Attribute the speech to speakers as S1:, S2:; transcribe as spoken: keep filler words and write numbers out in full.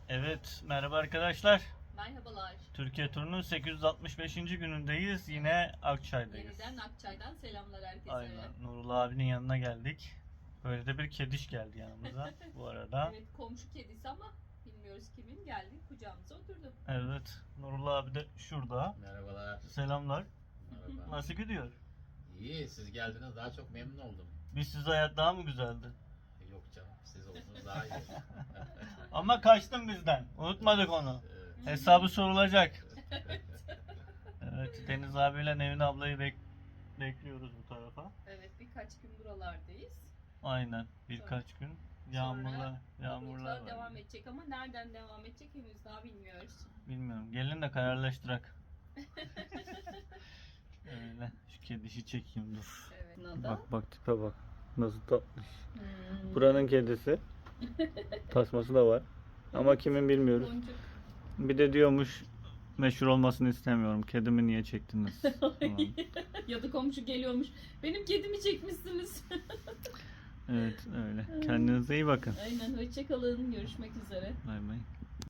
S1: Evet, merhaba arkadaşlar.
S2: Merhabalar.
S1: Türkiye turunun sekiz yüz altmış beşinci günündeyiz. Yine Akçay'dayız.
S2: Yeniden Akçay'dan selamlar herkese.
S1: Aynen, Nurullah abinin yanına geldik. Böyle de bir kediş geldi yanımıza bu arada.
S2: Evet, komşu kedisi ama bilmiyoruz kimin, geldi kucağımıza oturdu.
S1: Evet, Nurullah abi de şurada.
S3: Merhabalar.
S1: Selamlar.
S3: Merhaba.
S1: Nasıl gidiyor?
S3: İyi, siz geldiniz, daha çok memnun oldum.
S1: Biz siz hayat daha mı güzeldi?
S3: Yok canım, siz oldunuz daha iyi.
S1: Ama kaçtın bizden. Unutmadık onu.
S3: Evet,
S1: Hesabı sorulacak. Evet, Deniz abiyle Nevin ablayı bek- bekliyoruz bu tarafa.
S2: Evet, birkaç gün buralardayız.
S1: Aynen, birkaç gün. Yağmurlar,
S2: Sonra
S1: yağmurlar
S2: bulutlar
S1: var.
S2: devam edecek ama nereden devam edecek henüz daha bilmiyoruz.
S1: Bilmiyorum. Gelin de kararlaştırak. Öyle. Şu kedişi çekeyim dur.
S2: Evet. Nada.
S1: Bak bak tipe bak. Nasıl tatlış.
S2: Hmm.
S1: Buranın kedisi. Tasması da var. Ama kimin bilmiyoruz.
S2: Boncuk.
S1: Bir de diyormuş meşhur olmasını istemiyorum. Kedimi niye çektiniz? falan.
S2: Ya da komşu geliyormuş. Benim kedimi çekmişsiniz.
S1: Evet öyle. Kendinize iyi bakın.
S2: Aynen, hoşça kalın. Görüşmek üzere.
S1: Bay bay.